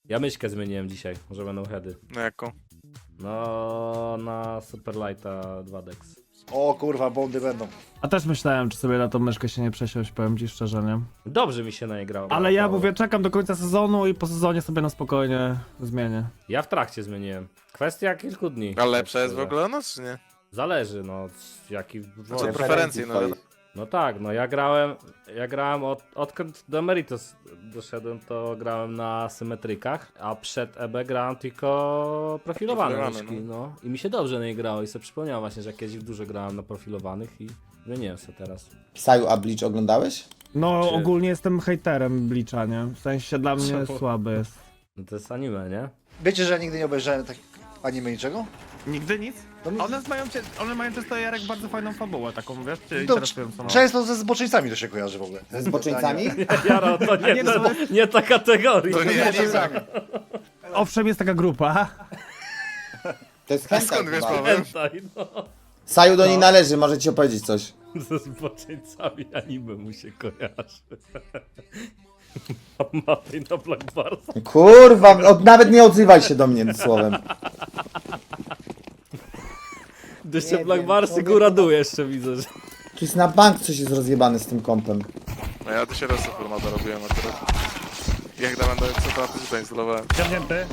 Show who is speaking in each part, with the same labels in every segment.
Speaker 1: Ja myszkę zmieniłem dzisiaj, może będą heady.
Speaker 2: No jaką?
Speaker 1: No, na Superlighta 2dex.
Speaker 3: O kurwa, bondy będą.
Speaker 4: A też myślałem, czy sobie na tą myszkę się nie przesiąść, powiem ci szczerze, nie?
Speaker 1: Dobrze mi się na nie grało.
Speaker 4: Ale ja mówię, czekam do końca sezonu i po sezonie sobie na spokojnie zmienię.
Speaker 1: Ja w trakcie zmieniłem. Kwestia kilku dni.
Speaker 2: A lepsza jest w
Speaker 1: szczerze.
Speaker 2: ogóle ona, czy nie?
Speaker 1: Zależy, no, jaki
Speaker 2: Co
Speaker 1: wolisz.
Speaker 2: preferencje, no wiadomo.
Speaker 1: No tak, no ja grałem odkąd do Emeritus doszedłem, to grałem na symetrykach, a przed EB grałem tylko profilowane
Speaker 2: Profilowany,
Speaker 1: myszki, no. I mi się dobrze na nie grało i sobie przypomniałem właśnie, że kiedyś dużo grałem na profilowanych i zmieniłem sobie teraz.
Speaker 5: Saju, a Bleach oglądałeś?
Speaker 4: No
Speaker 1: Czy-
Speaker 4: ogólnie jestem hejterem Bleacha, nie? W sensie dla mnie
Speaker 1: Czemu?
Speaker 4: słaby jest.
Speaker 1: No to jest anime, nie?
Speaker 3: Wiecie, że ja nigdy nie obejrzałem tak anime niczego?
Speaker 4: Nigdy nic? One mają często Jarek bardzo fajną fabułę taką, wiesz? Czy
Speaker 3: To,
Speaker 4: interesującą?
Speaker 3: często ze zboczeńcami to się kojarzy w ogóle.
Speaker 5: Z boczyńcami?
Speaker 1: Jaro, to nie, nie ta kategoria.
Speaker 2: To nie, nie, nie.
Speaker 4: Owszem, jest taka grupa.
Speaker 5: To jest
Speaker 2: A
Speaker 5: hentai
Speaker 2: skąd wiesz,
Speaker 5: chyba.
Speaker 2: Paweł?
Speaker 1: Pamiętaj, no.
Speaker 5: Saju do niej należy, może ci opowiedzieć coś.
Speaker 1: Ze zboczeńcami anime mu się kojarzy. Mapy na Black Barsa.
Speaker 5: Kurwa, nawet nie odzywaj się do mnie słowem.
Speaker 1: Jeszcze
Speaker 5: Nie
Speaker 1: Black
Speaker 5: wiem,
Speaker 1: Barsy
Speaker 5: człowiek-
Speaker 1: góra dół jeszcze widzę, że...
Speaker 5: Tu jest na bank coś jest rozjebane z tym kompem.
Speaker 2: No ja to się raz formata robiłem akurat. Jak tam będę co to to zainstalowałem.
Speaker 4: Ciągnięty.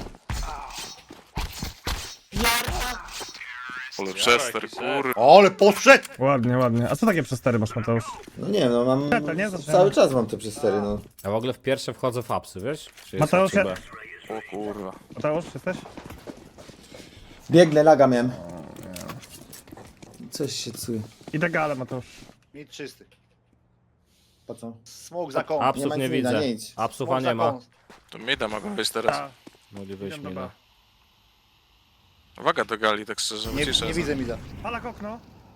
Speaker 2: Ale przester, kurwa.
Speaker 3: Ale poszedł!
Speaker 4: Ładnie, ładnie. A co takie przestery masz, Mateusz?
Speaker 5: No nie no, mam...
Speaker 4: Teta, nie? Zaczynamy.
Speaker 5: Cały czas mam te przestery, no.
Speaker 1: Ja w ogóle w pierwsze wchodzę w apsy, wiesz? Czy jest
Speaker 4: Mateusz,
Speaker 1: A czy
Speaker 4: ja-
Speaker 1: B?
Speaker 2: O kurwa.
Speaker 4: Mateusz, jesteś?
Speaker 5: Biegnę, laga miałem. Coś się cuje.
Speaker 4: Idę gale, Mateusz.
Speaker 3: Mit czysty.
Speaker 5: Po co?
Speaker 3: Smok za kąt.
Speaker 1: Apsów
Speaker 5: ma
Speaker 1: nie
Speaker 5: nic widać,
Speaker 1: widzę.
Speaker 5: nie idź.
Speaker 1: Apsów
Speaker 3: Smok
Speaker 1: nie
Speaker 3: za
Speaker 1: ma.
Speaker 3: kąt.
Speaker 2: To mida mogą być teraz.
Speaker 4: A,
Speaker 1: Mogli wyjść
Speaker 4: idę
Speaker 1: mi
Speaker 4: do
Speaker 1: na...
Speaker 4: B.
Speaker 2: Uwaga do gali, tak szczerze,
Speaker 3: Nie,
Speaker 2: ciszę.
Speaker 3: nie widzę mida.
Speaker 4: Palak okno.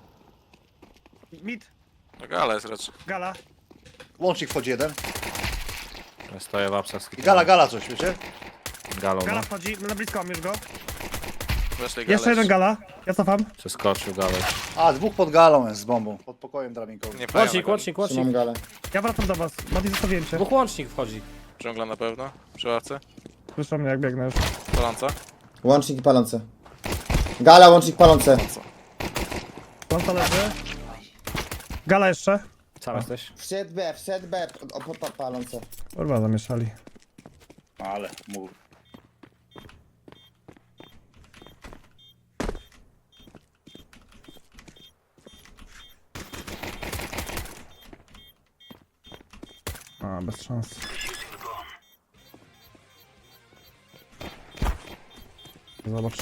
Speaker 4: Mid.
Speaker 2: No gala jest raczej.
Speaker 4: Gala.
Speaker 3: Łącznik wchodzi jeden.
Speaker 1: Ja stoję w apsach.
Speaker 3: I gala coś, wiecie?
Speaker 1: Galą, no.
Speaker 4: Gala wchodzi, na blisko mam już go.
Speaker 2: Weszli gale.
Speaker 4: Jeszcze jeden gala. Ja cofam.
Speaker 1: Przeskoczył galę.
Speaker 3: A, dwóch pod galą jest z bombą. Pod pokojem drabinkowym.
Speaker 2: Nie pają
Speaker 1: Łącznik,
Speaker 2: na
Speaker 1: łącznik, łącznik.
Speaker 5: Trzymam galę.
Speaker 4: Ja wracam do was. Mati, zostawiłem cię.
Speaker 1: Dwóch łącznik wchodzi.
Speaker 2: Dżungla na pewno. Przy ławce.
Speaker 4: Słyszą mnie jak biegnę już.
Speaker 2: Paląca.
Speaker 5: Łącznik i palące. Gala, łącznik, palące.
Speaker 4: Planta leży. Gala jeszcze.
Speaker 1: Sam jesteś?
Speaker 5: Wszedł B, palące.
Speaker 4: Kurwa, zamieszali.
Speaker 3: Ale, mów.
Speaker 4: A, bez szans. Zobacz.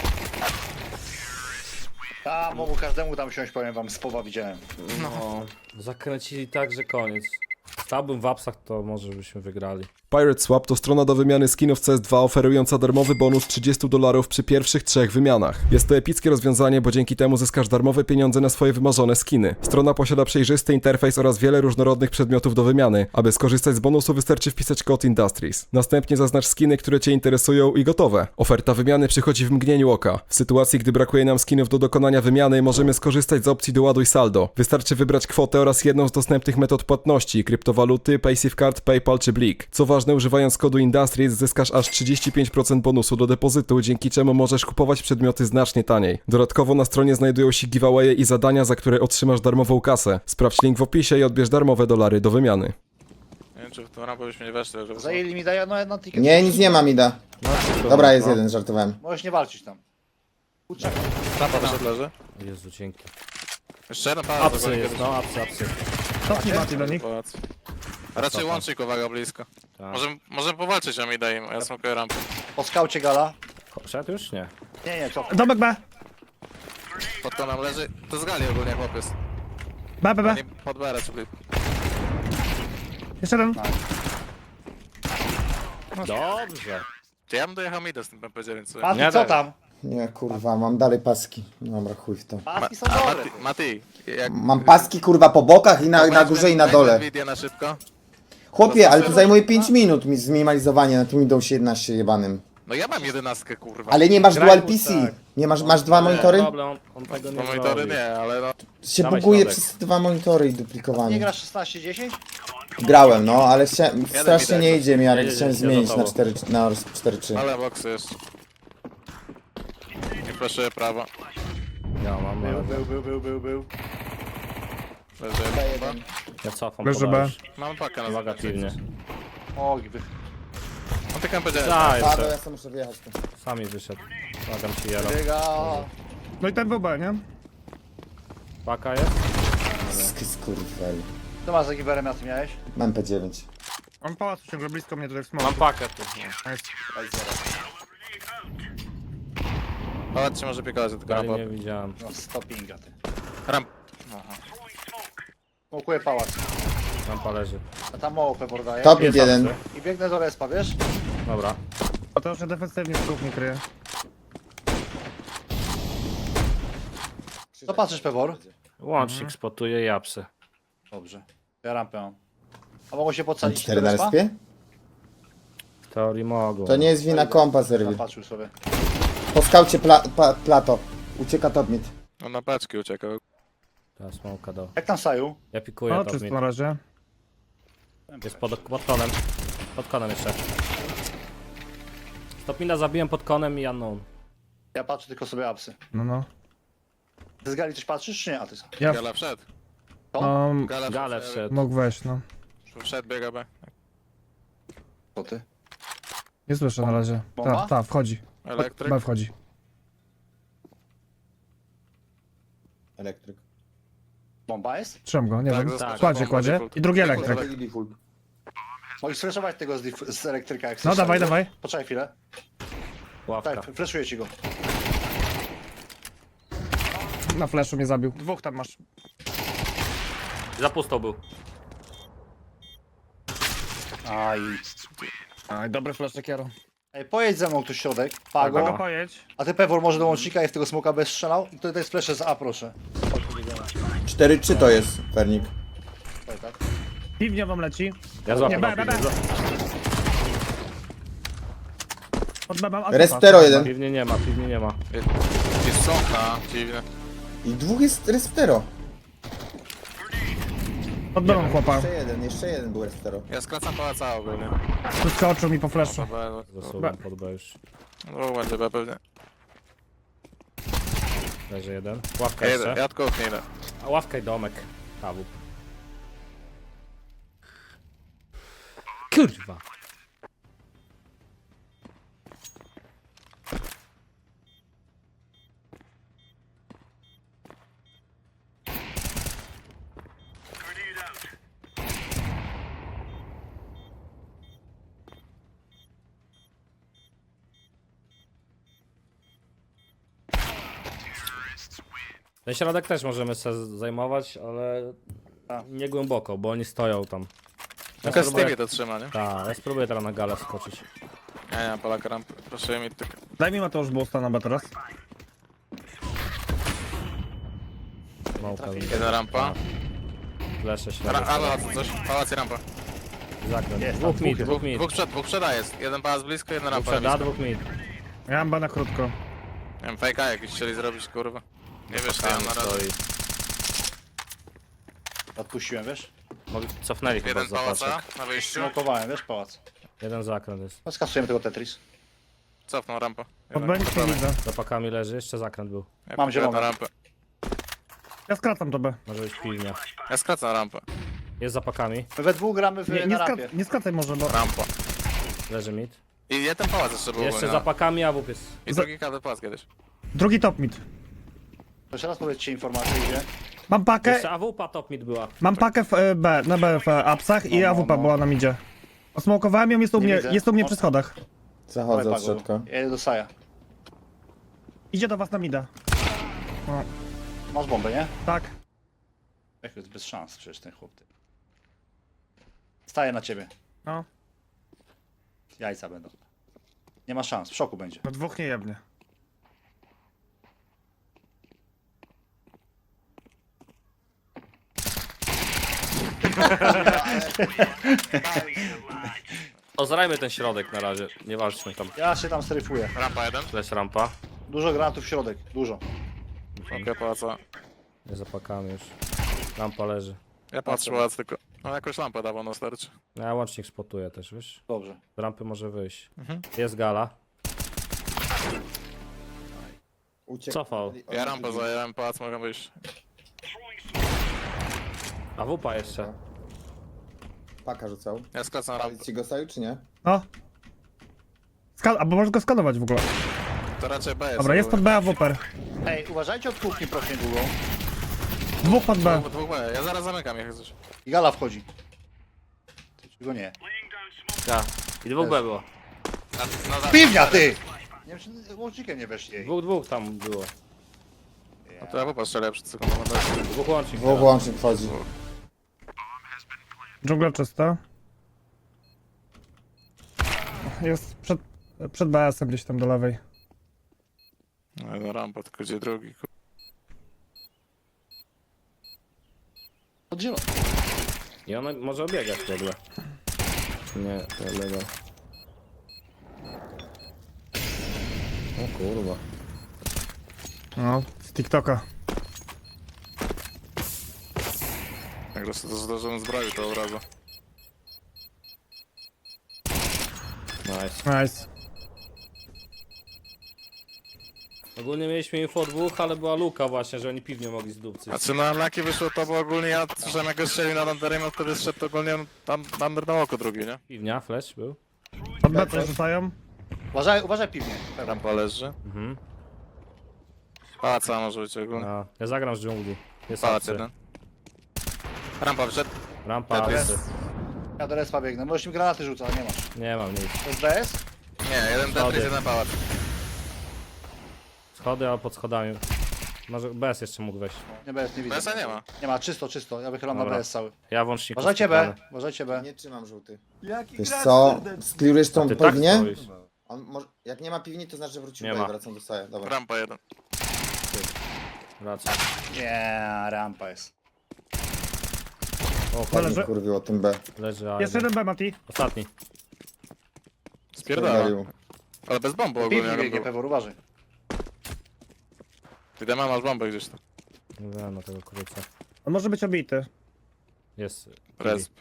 Speaker 3: Tam, mogу każdemu tam siąść, powiem wam, z powa widziałem.
Speaker 1: No. Zakręcili tak, że koniec. Stałbym w apsach, to może byśmy wygrali.
Speaker 6: Pirate Swap to strona do wymiany skinów CS2 oferująca darmowy bonus $30 przy pierwszych 3 wymianach. Jest to epickie rozwiązanie, bo dzięki temu zyskasz darmowe pieniądze na swoje wymarzone skiny. Strona posiada przejrzysty interfejs oraz wiele różnorodnych przedmiotów do wymiany. Aby skorzystać z bonusu wystarczy wpisać kod Industries. Następnie zaznacz skiny, które Cię interesują i gotowe. Oferta wymiany przychodzi w mgnieniu oka. W sytuacji, gdy brakuje nam skinów do dokonania wymiany, możemy skorzystać z opcji doładuj saldo. Wystarczy wybrać kwotę oraz jedną z dostępnych metod płatności, kryptowaluty, PaySafeCard, PayPal czy Blik. Co ważne, używając kodu Industries zyskasz aż 35% bonusu do depozytu, dzięki czemu możesz kupować przedmioty znacznie taniej. Dodatkowo na stronie znajdują się giveawaye i zadania, za które otrzymasz darmową kasę. Sprawdź link w opisie i odbierz darmowe dolary do wymiany.
Speaker 2: Nie wiem czy w tą rampę byśmy nie weszli, żeby...
Speaker 3: Zajęli mi daję no ticket.
Speaker 5: Nie, nic nie ma, Mida. Dobra, jest jeden, żartowałem.
Speaker 3: Możesz nie walczyć tam. Kurczę.
Speaker 2: Rampa wyszedł leży.
Speaker 1: Jezu, dzięki.
Speaker 2: Jeszcze jeden pałac.
Speaker 1: Apsy jest, no, apsy.
Speaker 4: Cofnij Mati do nich.
Speaker 2: Pałac. A raczej łącznik, uwaga, blisko.
Speaker 1: Tak.
Speaker 2: Możemy powalczyć, a mi daje im, a ja smokuję rampę.
Speaker 3: Po skaucie gala.
Speaker 1: Szedł już? Nie.
Speaker 3: Nie, co?
Speaker 4: Domek B.
Speaker 2: Pod to nam leży. To z gali ogólnie chłopiec.
Speaker 4: B, B, B.
Speaker 2: Nie pod BR, czyli...
Speaker 4: Jeszcze jeden.
Speaker 1: Dobrze.
Speaker 2: Czy ja bym dojechał mida z tym MP9, co?
Speaker 3: Mati,
Speaker 1: Nie
Speaker 3: co
Speaker 1: daj.
Speaker 3: tam?
Speaker 5: Nie, kurwa, mam dalej paski. Dobra, chuj w to.
Speaker 3: Paski są dobre.
Speaker 2: Mati, jak...
Speaker 5: Mam paski, kurwa, po bokach i na górze i na dole.
Speaker 2: Nvidia na szybko.
Speaker 5: Chłopie, ale to zajmuje 5 minut mi zminimalizowanie na tym Windows 11 jebanym.
Speaker 2: No ja mam 11, kurwa.
Speaker 5: Ale nie masz
Speaker 1: Graj
Speaker 5: dual
Speaker 1: mu,
Speaker 5: PC.
Speaker 1: tak.
Speaker 5: Nie masz dwa monitory?
Speaker 1: Problem, on tego nie
Speaker 2: No monitory
Speaker 1: zrobi.
Speaker 2: nie, ale no...
Speaker 5: Się
Speaker 1: Dawaj
Speaker 5: buguje
Speaker 1: środek.
Speaker 5: przez dwa monitory i
Speaker 3: Nie
Speaker 5: duplikowanie.
Speaker 3: grasz 16-10?
Speaker 5: Grałem, no, ale strasznie nie idzie mi, ale
Speaker 1: Jedzie,
Speaker 5: chciałem
Speaker 1: jedzie
Speaker 5: zmienić
Speaker 1: za
Speaker 5: na
Speaker 1: tobą.
Speaker 5: 4-3.
Speaker 2: Ale boksy jest. Nie proszę prawo.
Speaker 1: Ja mam, ale...
Speaker 3: Był.
Speaker 2: Leży.
Speaker 3: B1.
Speaker 1: Ja cofam
Speaker 4: Leży
Speaker 1: poda
Speaker 4: B.
Speaker 1: już.
Speaker 2: Mam pakę na
Speaker 1: Uwaga,
Speaker 2: zakończenie.
Speaker 1: pilnie.
Speaker 3: O,
Speaker 2: On tylko powiedział.
Speaker 1: Daj,
Speaker 5: Paweł, ja sam muszę wyjechać tu.
Speaker 1: sami wyszedł. Pomagam ci, Jaro.
Speaker 3: biega.
Speaker 4: No i ten był B, nie?
Speaker 1: Paka jest?
Speaker 5: Skurwel.
Speaker 3: Co masz za giberem, ja ty miałeś?
Speaker 5: Mam P9.
Speaker 4: On pałacu ciągle blisko mnie tutaj w smoku.
Speaker 1: Mam pakę tu.
Speaker 2: Pałac się może piekować, tylko
Speaker 1: Dali
Speaker 2: rampa.
Speaker 1: nie widziałem.
Speaker 3: No, stoppinga ty.
Speaker 2: Ramp.
Speaker 3: Smokuję pałac.
Speaker 1: Rampa leży.
Speaker 3: A tam mało pebor daje.
Speaker 5: Top
Speaker 1: Jest
Speaker 5: 1.
Speaker 1: apsy.
Speaker 3: I biegnę do respa, wiesz?
Speaker 1: Dobra.
Speaker 4: A to już defensywnie w kuchni kryje.
Speaker 3: Co patrzysz, pebor?
Speaker 1: Łącznik spotuje i apsy.
Speaker 3: Dobrze. Ja rampę mam. A mogą się podsadzić
Speaker 5: 4
Speaker 3: do
Speaker 5: na
Speaker 3: respa?
Speaker 5: respie?
Speaker 1: W teorii mogą.
Speaker 5: To nie jest wina kompa, serwi.
Speaker 3: Patrzył sobie.
Speaker 5: Po skaucie plato. Ucieka top mid.
Speaker 2: On na paczki uciekał.
Speaker 1: Ta smoka do.
Speaker 3: Jak tam Saju?
Speaker 1: Ja pikuję
Speaker 4: No,
Speaker 1: top
Speaker 4: czysto
Speaker 1: mid.
Speaker 4: na razie.
Speaker 1: Jest pod konem. Pod konem jeszcze. Stopmina zabiłem pod konem i unknown.
Speaker 3: Ja patrzę tylko sobie apsy.
Speaker 4: No.
Speaker 3: Ty z gali coś patrzysz, czy nie? A ty
Speaker 4: Ja
Speaker 2: Gala wszedł.
Speaker 1: Gale wszedł.
Speaker 4: mógł wejść, no.
Speaker 2: Wszedł, biega B.
Speaker 3: Co ty?
Speaker 4: Nie słyszę na razie.
Speaker 3: Bomba?
Speaker 4: Ta, wchodzi.
Speaker 2: Elektryk.
Speaker 4: B wchodzi.
Speaker 5: Elektryk.
Speaker 3: Bomba jest?
Speaker 4: Trzymam go, nie
Speaker 2: Tak,
Speaker 4: wiem.
Speaker 2: zaskoczył.
Speaker 4: Kładzie,
Speaker 2: Bomba
Speaker 4: kładzie.
Speaker 2: default.
Speaker 4: I drugi elektryk.
Speaker 3: Możesz flashować tego z elektryka, jak
Speaker 4: No
Speaker 3: chcesz.
Speaker 4: dawaj,
Speaker 3: Saju.
Speaker 4: dawaj.
Speaker 3: Poczekaj chwilę.
Speaker 1: Ławka.
Speaker 3: Tak, flashuję ci go.
Speaker 4: Na flashu mnie zabił. Dwóch tam masz.
Speaker 1: Za pusto był.
Speaker 3: Aj.
Speaker 4: Aj, dobry flash Kiero.
Speaker 3: Ej, pojedź ze mną tu środek.
Speaker 4: Pago,
Speaker 3: Pago.
Speaker 4: pojedź.
Speaker 3: A ty Pewor może do łącznika i w tego smoka bez strzelał? I to jest flash z A, proszę.
Speaker 5: 4-3 to jest, Fernik.
Speaker 3: Tak.
Speaker 4: Piwnia wam leci.
Speaker 1: Ja złapię.
Speaker 4: Nie, B. Pod B mam Alfa.
Speaker 5: Respero 1.
Speaker 1: Piwnie nie ma, piwnie nie ma.
Speaker 2: Jest sąka, dziwne.
Speaker 5: I dwóch jest Respero.
Speaker 4: Pod B mam chłopa.
Speaker 5: Jeszcze jeden był Respero.
Speaker 2: Ja skracam pałaca ogólnie.
Speaker 4: Wyskoczył mi po flashu.
Speaker 1: Zasuwam pod B już.
Speaker 2: No będzie B pewnie.
Speaker 1: Leży jeden. Ławka
Speaker 2: Ja jedę,
Speaker 1: jeszcze.
Speaker 2: ja tylko nie idę.
Speaker 1: A ławka i domek. Kawup. Kurwa. Ten środek też możemy sobie zajmować, ale nie głęboko, bo oni stoją tam.
Speaker 2: Jaka z tymi to trzyma, nie?
Speaker 1: Tak, ja spróbuję teraz na galę skoczyć.
Speaker 2: Ja nie mam Polaka rampy. Proszę mi tylko.
Speaker 4: Daj mi Mateusz boosta na B teraz.
Speaker 1: Małka,
Speaker 2: Jedna rampa.
Speaker 1: flesze się.
Speaker 2: Ale coś. Pałac i rampa.
Speaker 1: Zakręt.
Speaker 3: Jest,
Speaker 1: Dwóch
Speaker 3: tam
Speaker 1: mid,
Speaker 3: dwóch
Speaker 1: dwóch mid.
Speaker 2: Dwóch przeda jest. Jeden pałac blisko, jedna
Speaker 1: Dwóch
Speaker 2: rampa.
Speaker 1: przed A,
Speaker 2: blisko.
Speaker 1: dwóch mid.
Speaker 4: Ja mam B na krótko.
Speaker 2: Nie wiem, fejka jakiś chcieli zrobić, kurwa. Nie wiesz, co ja
Speaker 1: Tam
Speaker 2: na razie.
Speaker 1: stoi.
Speaker 3: Odpuściłem, wiesz?
Speaker 1: Cofnęli chyba
Speaker 2: Jeden
Speaker 1: z zapaczek.
Speaker 2: pałaca na wyjściu.
Speaker 3: Smokowałem, wiesz, pałac.
Speaker 1: Jeden zakręt jest.
Speaker 3: No skasujemy tego Tetris.
Speaker 2: Cofnął rampę.
Speaker 4: Pod B nic nie widzę.
Speaker 1: Za pakami leży, jeszcze zakręt był.
Speaker 2: Ja
Speaker 3: Mam
Speaker 2: pójdę
Speaker 3: zielone.
Speaker 2: na rampę.
Speaker 4: Ja skracam to B.
Speaker 1: Może być pilnia.
Speaker 2: Ja skracam rampę.
Speaker 1: Jest za pakami,
Speaker 3: My we dwóch gramy na rampie.
Speaker 4: Nie skracaj może, bo...
Speaker 2: Rampa.
Speaker 1: leży mid.
Speaker 2: I jeden pałac jeszcze był.
Speaker 1: Jeszcze
Speaker 2: nie?
Speaker 1: za pakami AWP jest.
Speaker 2: I drugi kadr pałac kiedyś.
Speaker 4: Drugi top mid.
Speaker 3: Jeszcze raz powiedzcie informację, gdzie.
Speaker 4: Mam pakę,
Speaker 1: Jeszcze AWP top mid była.
Speaker 4: mam pakę w B, na B w apsach i
Speaker 3: No,
Speaker 4: AWP była na midzie. Osmokowałem ją, jest u
Speaker 3: Nie
Speaker 4: mnie,
Speaker 3: widzę.
Speaker 4: jest u mnie przy schodach.
Speaker 5: Zachodzę
Speaker 3: Dawaj,
Speaker 5: od środka.
Speaker 3: Ja jedę do Saja.
Speaker 4: Idzie do was na mida. O,
Speaker 3: Masz bombę, nie?
Speaker 4: tak.
Speaker 3: Jak jest bez szans przecież ten chłop. Ty. Staję na ciebie.
Speaker 4: No,
Speaker 3: Jajca będą. Nie ma szans, w szoku będzie.
Speaker 4: no dwóch nie jebnie.
Speaker 1: Ozrajmy ten środek na razie, nie walczmy tam.
Speaker 3: Ja się tam stryfuję.
Speaker 2: Rampa jeden.
Speaker 1: Flash rampa.
Speaker 3: Dużo granatów w środek, dużo.
Speaker 2: Okej, pałaca.
Speaker 1: Nie za pakami już. Rampa leży.
Speaker 2: Ja patrzę pałac tylko. No jakąś lampę dawał na starczy.
Speaker 1: Ja łącznik spotuję też, wiesz?
Speaker 3: Dobrze.
Speaker 1: Z rampy może wyjść.
Speaker 2: Mhm.
Speaker 1: Jest gala.
Speaker 5: Uciekł.
Speaker 1: Cofał.
Speaker 2: Ja rampę zająłem, pałac mogę wyjść.
Speaker 1: A wupa jeszcze.
Speaker 5: Paka rzucał.
Speaker 2: Ja skracam rampę.
Speaker 5: Palić ci go stoi, czy nie?
Speaker 4: No. Albo możesz go skanować w ogóle.
Speaker 2: To raczej B jest.
Speaker 4: Dobra, jest pod B, a Whopper.
Speaker 3: Ej, uważajcie od kuchni proszę długą.
Speaker 4: Dwóch pod B.
Speaker 2: Dwóch B. Ja zaraz zamykam jak coś.
Speaker 3: I gala wchodzi. Czego nie?
Speaker 1: Tak. I dwóch B było.
Speaker 3: Piwnia, ty! Nie wiem, czy łącznikiem nie weszli jej.
Speaker 1: Dwóch tam było.
Speaker 2: No to ja popatrzę przed sekundą.
Speaker 1: Dwóch łącznik.
Speaker 5: Dwóch łącznik wchodzi.
Speaker 4: Dżungla czysta. Jest przed BS-em gdzieś tam do lewej.
Speaker 2: No rampa, tylko gdzie drugi.
Speaker 3: Od zielony.
Speaker 1: I ona może obiegać w ogóle. Nie, to legal. O kurwa.
Speaker 4: No, z TikToka.
Speaker 2: Jak to zdążyłem zbroić to od razu.
Speaker 1: Nice.
Speaker 4: Nice.
Speaker 1: Ogólnie mieliśmy info o dwóch, ale była luka właśnie, że oni piwnie mogli zdupcyć.
Speaker 2: Znaczy na Laki wyszło to, bo ogólnie ja słyszałem jak go strzelił na Underim, a wtedy zszedł ogólnie tam Under na oko drugi, nie?
Speaker 1: Piwnia, flash był.
Speaker 4: Pod B coś rzucają.
Speaker 3: Uważaj piwnie.
Speaker 2: Rampa leży.
Speaker 1: Mhm.
Speaker 2: Pałaca może być ogólnie.
Speaker 1: A, ja zagram z dżungli. Jest
Speaker 2: Pałac
Speaker 1: apsy.
Speaker 2: jeden. Rampa wszedł.
Speaker 1: Rampa,
Speaker 2: Tetris.
Speaker 1: apsy.
Speaker 3: Ja do respa biegnę. Możesz mi granaty rzucać, ale nie masz.
Speaker 1: Nie mam nic.
Speaker 3: To jest BS?
Speaker 2: Nie, jeden Tetris, jeden pałac.
Speaker 1: Schody, a pod schodami. Może bez jeszcze mógł wejść.
Speaker 3: Nie BS, nie widzę.
Speaker 2: BS-a nie ma.
Speaker 3: Nie ma, czysto. Ja wychylam na
Speaker 1: Dobra.
Speaker 3: BS cały.
Speaker 1: Ja włącznik.
Speaker 3: Uważajcie B, uważajcie B.
Speaker 5: Nie trzymam żółty. Wiesz co? Sklirujesz tą
Speaker 1: Ty tak
Speaker 5: piwnię?
Speaker 1: stoisz.
Speaker 5: On może, jak nie ma piwni, to znaczy, że wrócił
Speaker 1: Nie
Speaker 5: B
Speaker 1: ma.
Speaker 5: i wracam do staja. Dobra.
Speaker 2: Rampa jeden.
Speaker 1: Raczej.
Speaker 3: Nie, rampa jest.
Speaker 1: O,
Speaker 5: Tak mi
Speaker 4: Leży.
Speaker 5: kurwiło o tym B.
Speaker 1: leży A.
Speaker 4: Jeszcze jeden B, Mati.
Speaker 1: Ostatni.
Speaker 2: Spierdala. Ale bez bomby ogólnie.
Speaker 3: Piwnie
Speaker 2: jak
Speaker 3: biegnie,
Speaker 2: było.
Speaker 3: Pewor, uważaj.
Speaker 2: Ty masz bombę gdzieś tam.
Speaker 1: Nie wiem na tego kurczę.
Speaker 4: On może być obity.
Speaker 1: Jest.
Speaker 2: Resp.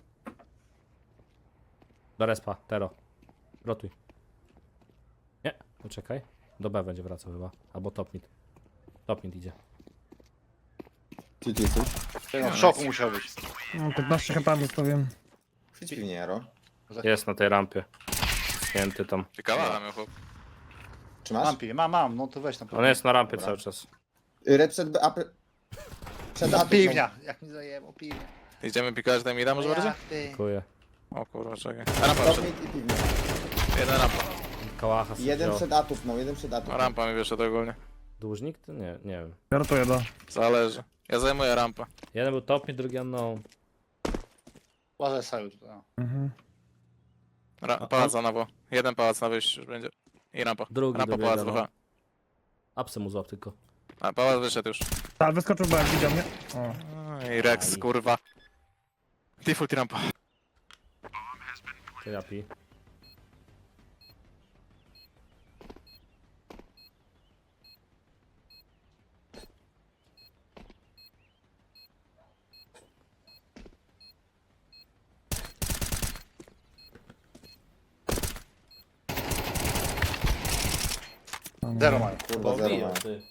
Speaker 1: Do respa, Tero. Rotuj. Nie, poczekaj. Do B będzie wracał chyba. Albo top mid. Top mid idzie.
Speaker 5: Ty jesteś?
Speaker 3: No, w szoku musiał być.
Speaker 4: No, 15 chyba zostawiłem.
Speaker 5: Chwyć piwnię, Jaro.
Speaker 1: Jest na tej rampie. Święty tam.
Speaker 2: Ciekawa miał chłop.
Speaker 5: Czy masz?
Speaker 3: Mam piwie, mam, no to weź tam.
Speaker 1: On jest na rampie
Speaker 5: Dobra.
Speaker 1: cały czas.
Speaker 5: Red przed B, przed A.
Speaker 3: Piwnia, jak mi zajęło piwnia.
Speaker 2: Idziemy pikać tam mida może bardziej?
Speaker 3: Jak ty?
Speaker 1: Dziękuję.
Speaker 2: O kurwa, czekaj. A rampa
Speaker 5: Top
Speaker 2: wszedł.
Speaker 5: mid i piwnia.
Speaker 2: Jeden rampa.
Speaker 1: Kałacha sobie
Speaker 5: Jeden
Speaker 1: wziął.
Speaker 5: przed atów, no, jeden przed
Speaker 2: A
Speaker 5: atów.
Speaker 2: rampa mi wyszedł ogólnie.
Speaker 1: Dłużnik? To nie wiem.
Speaker 4: Ja rotuję do.
Speaker 2: Zależy. Ja zajmuję rampę.
Speaker 1: Jeden był top mid, drugi unknown.
Speaker 3: Uważaj Saju tutaj. no.
Speaker 4: Mhm.
Speaker 2: Pałac na nowo. Jeden pałac na wyjściu już będzie. I rampa.
Speaker 1: Drugi
Speaker 2: Rampa
Speaker 1: dobiega,
Speaker 2: pałac
Speaker 1: no.
Speaker 2: WH.
Speaker 1: Apsy mu złap tylko.
Speaker 2: A pałac wyszedł już.
Speaker 4: Tak, wyskoczył B, widział mnie. O.
Speaker 2: I Rex, kurwa. Default i rampa.
Speaker 1: To ja pi.
Speaker 3: Zero mają.
Speaker 5: Kurwa, zero ma.
Speaker 1: ty.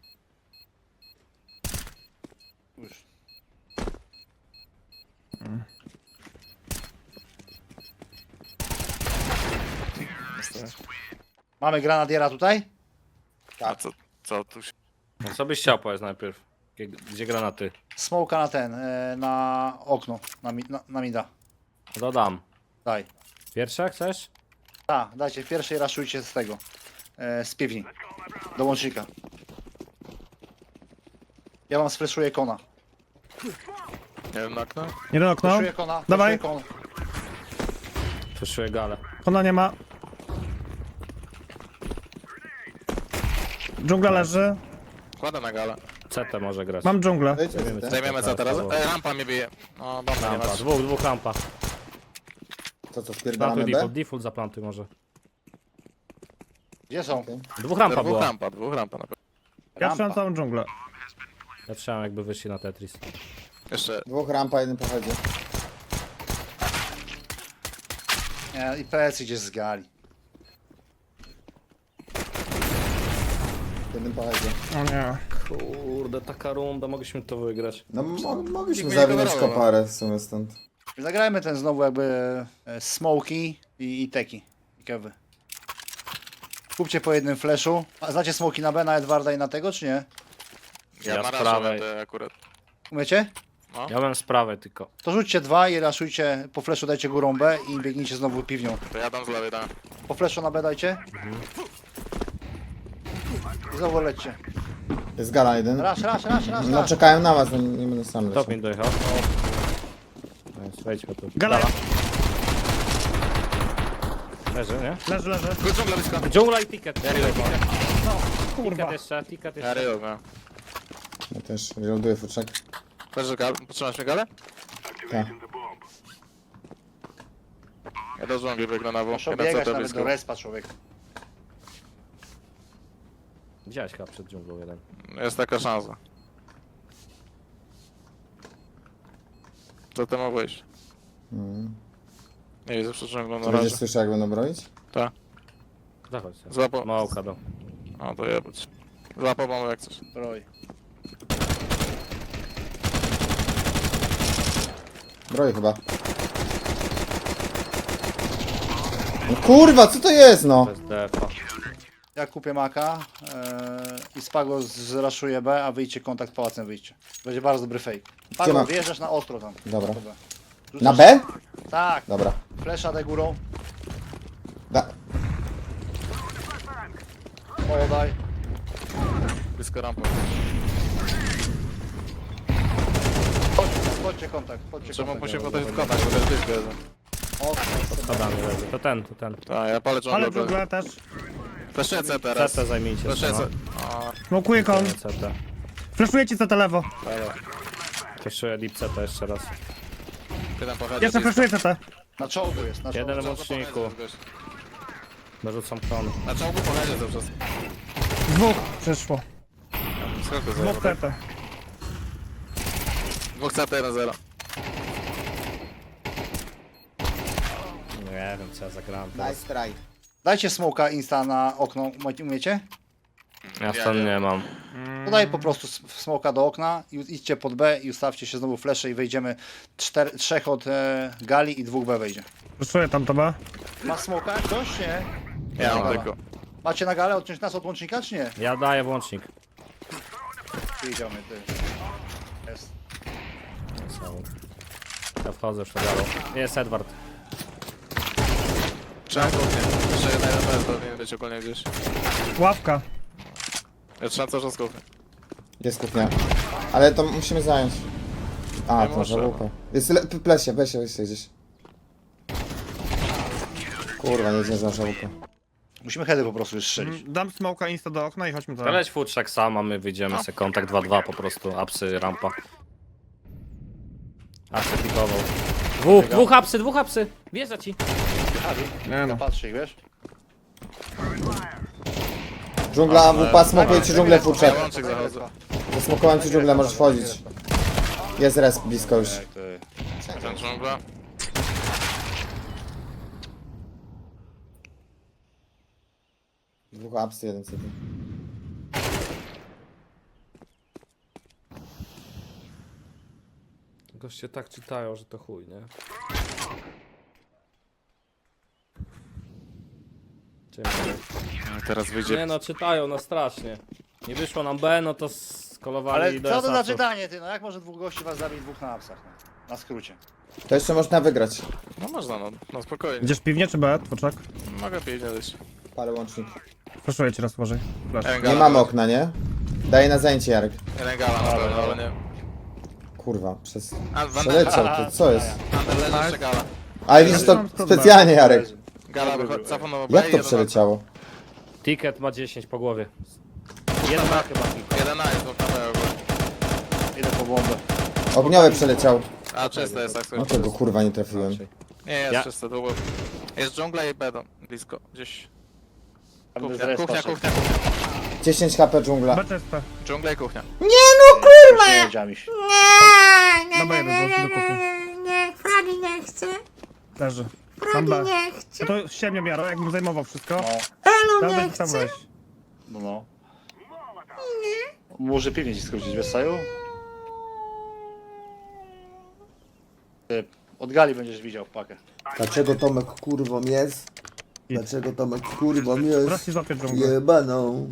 Speaker 3: Już. Mamy granadiera tutaj?
Speaker 2: A co tu się...
Speaker 1: No co byś chciał powiedz najpierw? Gdzie granaty?
Speaker 3: Smoka na ten, na okno, na mida.
Speaker 1: Dodam.
Speaker 3: Daj.
Speaker 1: Pierwsze chcesz?
Speaker 3: Tak, dajcie, pierwszej raszujcie z tego. Z piwni. Do łącznika. Ja wam sfreszuję kona.
Speaker 2: Nie wiem, na okno?
Speaker 4: Jeden okno.
Speaker 3: Freszuję kona,
Speaker 4: Dawaj.
Speaker 3: freszuję kona.
Speaker 1: Przeszuję galę.
Speaker 4: Kona nie ma. Dżungla leży.
Speaker 2: Kładę na galę.
Speaker 1: CT może grać.
Speaker 4: Mam dżunglę.
Speaker 5: Wejdźmy
Speaker 1: Zajmiemy
Speaker 5: z tym.
Speaker 2: Zajmiemy co teraz?
Speaker 1: Dobra.
Speaker 2: Rampa mnie bije. O, bomba nie
Speaker 1: Rampa.
Speaker 2: masz.
Speaker 1: Dwóch rampa.
Speaker 5: Co, spierdalamy
Speaker 1: Plantuj
Speaker 5: B?
Speaker 1: default zaplantuj może.
Speaker 3: Gdzie są?
Speaker 1: Dwóch rampa
Speaker 2: Dwóch
Speaker 1: było.
Speaker 2: rampa, dwóch rampa na pewno.
Speaker 4: Ja
Speaker 3: Rampa.
Speaker 4: trzymam całą dżunglę.
Speaker 1: Ja trzymam jakby wyszli na Tetris.
Speaker 2: Jeszcze
Speaker 5: Dwóch rampa, jeden pochodzi.
Speaker 3: Nie, i PS gdzieś z gali.
Speaker 5: Jeden pochodzi.
Speaker 4: O nie.
Speaker 1: Kurde, taka runda, mogliśmy to wygrać.
Speaker 5: No mogliśmy
Speaker 2: Nikt mnie nie
Speaker 5: zawinąć
Speaker 2: kontrolował.
Speaker 5: koparę w sumie stąd.
Speaker 3: Zagrajmy ten znowu jakby smoki i teki. I kewy. Kupcie po jednym flashu. A znacie smoki na B, na Edwarda i na tego, czy nie?
Speaker 2: Ja
Speaker 1: Ja
Speaker 2: na
Speaker 1: z
Speaker 2: razie
Speaker 1: prawej.
Speaker 2: będę akurat.
Speaker 3: Umiecie?
Speaker 1: Ja mam sprawę tylko.
Speaker 3: To rzućcie dwa i raszujcie, po flashu dajcie górą B i biegnijcie znowu piwnią.
Speaker 2: To ja dam z lewej, dam.
Speaker 3: Po flashu na B dajcie. I znowu lećcie.
Speaker 5: Jest gala jeden.
Speaker 3: Raz.
Speaker 5: No czekają na was, no nie będę sam leciał.
Speaker 1: Top mi dojechał. Wejdźmy tu.
Speaker 4: Gala.
Speaker 1: Leży, nie?
Speaker 4: Leży.
Speaker 2: Chodź dżungla blisko.
Speaker 1: Dżungla i ticket.
Speaker 4: Kurwa.
Speaker 1: Ticket jeszcze, ticket
Speaker 2: Ja
Speaker 1: jeszcze.
Speaker 2: ryją, no.
Speaker 5: Ja też reloaduję futrzak.
Speaker 2: Leży gal. Potrzymasz mnie galę?
Speaker 5: Tak.
Speaker 2: Ja do dżungli biegnę na W.
Speaker 3: Muszę
Speaker 2: Jeden
Speaker 3: biegać
Speaker 2: CT
Speaker 3: nawet
Speaker 2: blisko.
Speaker 3: do respa, człowiek.
Speaker 1: Widziałeś chyba przed dżunglą jeden.
Speaker 2: Jest taka szansa. Co ty ma wyjść? Nie widzę przed dżunglą na
Speaker 5: Ty
Speaker 2: razie.
Speaker 5: będziesz słyszał jak będą broić?
Speaker 2: Tak.
Speaker 1: Zachodź się.
Speaker 2: Złapał.
Speaker 1: Małka do.
Speaker 2: O, to jebać. Złapał mamę jak coś.
Speaker 3: Broj.
Speaker 5: Broi chyba. No kurwa, co to jest no?
Speaker 1: Bez defa.
Speaker 3: Ja kupię maka i Spago zraszuje B, a wyjdźcie kontakt pałacem, wyjdźcie. Będzie bardzo dobry fake.
Speaker 5: Gdzie
Speaker 3: Spago,
Speaker 5: ma-
Speaker 3: wjeżdżasz na ostro tam.
Speaker 5: Dobra.
Speaker 3: Rzucasz-
Speaker 5: Na B?
Speaker 3: Tak,
Speaker 5: Dobra.
Speaker 3: flesza D górą.
Speaker 5: Da.
Speaker 3: Podaj.
Speaker 2: Blisko rampą.
Speaker 3: Chodźcie kontakt, chodźcie
Speaker 2: Czemu
Speaker 3: kontakt.
Speaker 2: musimy podać w kontakt, bo to jest blisko jeden.
Speaker 3: Ostro.
Speaker 1: Schodami leży. To ten, to ten.
Speaker 2: Tak, ja palę
Speaker 4: Ale
Speaker 2: dżunglę.
Speaker 4: dżungla też.
Speaker 2: Flaszuję C teraz.
Speaker 1: CT zajmijcie
Speaker 2: Flaszuję
Speaker 1: się.
Speaker 2: C. O,
Speaker 4: Smokuję kon.
Speaker 1: No. CT.
Speaker 4: Flashuję ci CT lewo.
Speaker 1: Jeszcze deep CT jeszcze raz.
Speaker 2: jeden pochodzi.
Speaker 4: Jeszcze flashuję CT.
Speaker 3: Na czołgu jest, na czołgu.
Speaker 1: Jeden w łączniku. Dorzucam kon.
Speaker 2: Na czołgu pochodzi cały czas.
Speaker 4: Dwóch przyszło.
Speaker 2: Skąd
Speaker 4: Dwóch
Speaker 2: zajęło?
Speaker 4: CT.
Speaker 2: Dwóch CT 1-0.
Speaker 1: Nie wiem co ja zagrałem.
Speaker 5: Nice try.
Speaker 3: Dajcie smoka insta na okno, umiecie?
Speaker 1: Ja stąd nie mam.
Speaker 3: Podaj po prostu smoka do okna i idźcie pod B i ustawcie się znowu flesze i wejdziemy trzech od gali i dwóch B wejdzie.
Speaker 4: Flashuję tam to B.
Speaker 3: Ma smoka ktoś, nie?
Speaker 2: Ja mam
Speaker 3: Gala.
Speaker 2: tylko.
Speaker 3: Macie na galę odciąć nas od łącznika, czy nie?
Speaker 1: Ja daję włącznik.
Speaker 3: Idziemy, ty. Jest.
Speaker 1: Ja wchodzę już na galą. Jest Edward.
Speaker 2: Trzymam kuchnię. Jeszcze jeden bez, powinien być ogólnie gdzieś.
Speaker 4: Ławka.
Speaker 2: Ja trzymam cały czas kuchnię.
Speaker 5: Jest kuchnia. Ale to musimy zająć. A,
Speaker 2: Nie
Speaker 5: to
Speaker 2: możemy.
Speaker 5: żałówka. Jest plesie gdzieś. Kurwa, nie zdążyłem żałówkę.
Speaker 3: Musimy heady po prostu już strzelić.
Speaker 4: Dam smoka insta do okna i chodźmy tam.
Speaker 1: Leć futrzak sam, a my wyjdziemy sobie kontakt 2-2 po prostu. Apsy, rampa. Apsy pikował. Dwóch apsy. Wjeżdża ci.
Speaker 4: Nie no.
Speaker 3: Patrzcie ich, wiesz?
Speaker 5: Dżungla, WP, smokuję ci dżunglę futrzak.
Speaker 2: Ja łącznik zachodzę.
Speaker 5: Zasmokowałem ci dżunglę, możesz wchodzić. Jest res blisko już.
Speaker 3: Ty.
Speaker 2: Ten dżungla.
Speaker 5: Dwóch apsy, jeden CD.
Speaker 1: Goście tak czytają, że to chuj, nie?
Speaker 2: Teraz wyjdzie.
Speaker 1: Nie no, czytają no strasznie. Nie wyszło nam B, no to skolowali
Speaker 3: Ale
Speaker 1: do
Speaker 3: co to za
Speaker 1: asasów.
Speaker 3: czytanie, ty? No jak może dwóch gości was zabić, dwóch na apsach? No? Na skrócie.
Speaker 5: To jeszcze można wygrać.
Speaker 2: No można, no spokojnie.
Speaker 4: Idziesz piwnie czy B, tworzak?
Speaker 2: Mogę pić, nie dać.
Speaker 5: Palę łącznik.
Speaker 4: Flashuję ci raz uważaj. Flash.
Speaker 2: Jeden
Speaker 5: Nie
Speaker 2: gala,
Speaker 5: mamy okna, nie? Daję na zajęcie, Jarek.
Speaker 2: Jeden gala na pewno, ale nie.
Speaker 5: Kurwa, przez...
Speaker 2: A,
Speaker 5: Przeleciał, to co jest?
Speaker 2: Under leży jeszcze gala.
Speaker 5: Ale widzisz to specjalnie, Jarek.
Speaker 2: Gala wychodzi, cofam na B,
Speaker 5: Jak to
Speaker 2: jeden
Speaker 5: przeleciało?
Speaker 1: Ticket ma 10 po głowie. Jeden ma chyba ticket.
Speaker 2: na- Jeden na jest, bo na B ogólnie.
Speaker 3: Idę po bombę.
Speaker 5: Ogniowy przeleciał.
Speaker 2: A czyste jest, tak
Speaker 5: No tego kurwa nie trafiłem.
Speaker 2: Nie, jest
Speaker 1: Ja-
Speaker 2: czyste, długo. Jest dżungla i bedon, blisko, gdzieś.
Speaker 3: Tam bez
Speaker 2: Kuchnia,
Speaker 3: respa
Speaker 2: kuchnia,
Speaker 3: szedł.
Speaker 2: kuchnia, kuchnia.
Speaker 5: 10 HP dżungla.
Speaker 4: B czyste.
Speaker 2: Dżungla i kuchnia.
Speaker 3: Nie wiedziałem się.
Speaker 4: Na B jeden, do kuchni.
Speaker 7: Nie, Fali nie chce.
Speaker 4: Leży. Mam B.
Speaker 7: nie chcę.
Speaker 4: No to ściemnie miaro, jakbym zajmował wszystko.
Speaker 3: No,
Speaker 7: Elu
Speaker 4: Dawaj,
Speaker 7: nie
Speaker 4: tam
Speaker 7: chcę.
Speaker 4: weź.
Speaker 3: no. Może piwnie ci skrócić, wiesz, Saju? Ty, od gali będziesz widział pakę.
Speaker 5: Dlaczego Tomek kurwą jest? Dlaczego Tomek kurwą jest?
Speaker 4: Teraz ci złapię dżunglę.
Speaker 5: Jebaną.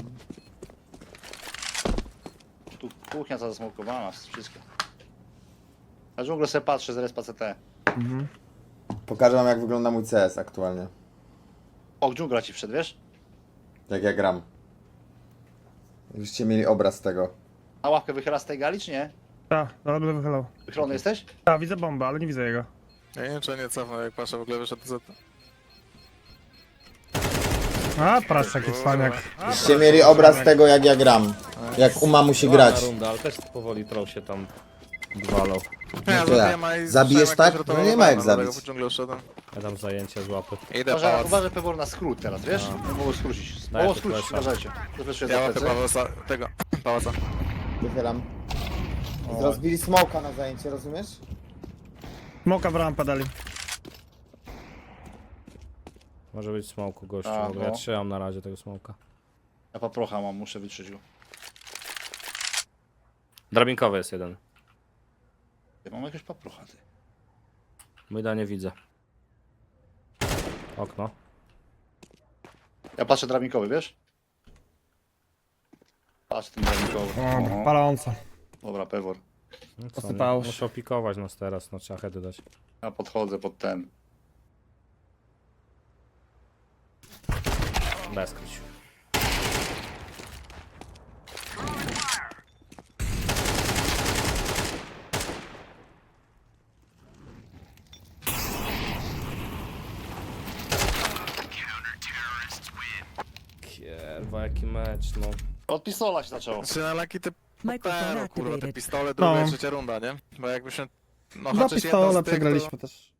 Speaker 3: Tu kuchnia cała zasmokowana, wszystko. Na dżunglę sobie patrzę z respa CT.
Speaker 5: Pokażę wam jak wygląda mój CS aktualnie.
Speaker 3: O, dżungla ci wszedł, wiesz?
Speaker 5: Jak ja gram. Żebyście mieli obraz tego.
Speaker 3: Na ławkę wychyla z tej gali, czy nie?
Speaker 4: Tak, ale będę wychylał.
Speaker 3: Wychylony jesteś?
Speaker 4: Tak, widzę bombę, ale nie widzę jego.
Speaker 2: Ja nie wiem, czy nie cofnął, jak Pasza w ogóle wyszedł z...
Speaker 4: A, prasz jaki cwaniak.
Speaker 5: Żebyście mieli obraz tego jak ja gram. Jak Uma musi grać.
Speaker 1: Runda, ale też powoli troll się tam walą.
Speaker 2: Ja
Speaker 5: to ja.
Speaker 2: zabiłem, a i
Speaker 5: Zabijesz
Speaker 2: słyszałem,
Speaker 5: tak?
Speaker 2: ktoś
Speaker 5: No
Speaker 2: rotował
Speaker 5: nie ma jak
Speaker 2: bana, dlatego
Speaker 5: zabić.
Speaker 2: w dżunglę uszedłem.
Speaker 1: Ja dam zajęcie z łapy.
Speaker 2: Idę pałac.
Speaker 3: Uważaj Pewor na skrót teraz, wiesz? Nie mogło skrócić.
Speaker 1: Daj
Speaker 3: Mogło
Speaker 1: tu
Speaker 3: skrócić,
Speaker 1: flasha.
Speaker 3: uważajcie. Zafleszuję
Speaker 2: Ja
Speaker 3: za
Speaker 2: łapę
Speaker 3: plecy.
Speaker 2: pałaca, tego, pałaca.
Speaker 5: Wychylam. Rozbili smoka na zajęcie, rozumiesz?
Speaker 4: Smoka w rampę dali.
Speaker 1: Może być smoku gościu,
Speaker 3: A,
Speaker 1: bo ja
Speaker 3: no.
Speaker 1: trzymam na razie tego smoka.
Speaker 3: Ja paprocha mam, muszę wytrzeć go.
Speaker 1: Drabinkowy jest jeden.
Speaker 3: Ja mam jakiegoś paprocha, ty.
Speaker 1: Myda nie widzę. Okno.
Speaker 3: Ja patrzę drabinkowy, wiesz? Patrz ten drabinkowy.
Speaker 4: O,
Speaker 3: Oho.
Speaker 4: paląca.
Speaker 3: Dobra, Pewor.
Speaker 1: No co,
Speaker 4: Posypało się.
Speaker 1: muszę opikować nas teraz, no trzeba heady dać.
Speaker 3: Ja podchodzę pod ten.
Speaker 1: Bez kryć. Kierwa, jaki mecz, no.
Speaker 3: Od pistola się zaczęło.
Speaker 2: Czy na laki te
Speaker 8: Microphone
Speaker 2: kurwa, te
Speaker 8: activated.
Speaker 2: pistole, druga,
Speaker 4: No.
Speaker 2: trzecia runda, nie? Bo jakbyśmy... No,
Speaker 4: Dla
Speaker 2: chociaż
Speaker 4: pistola
Speaker 2: jedną z tych,
Speaker 4: przegraliśmy też.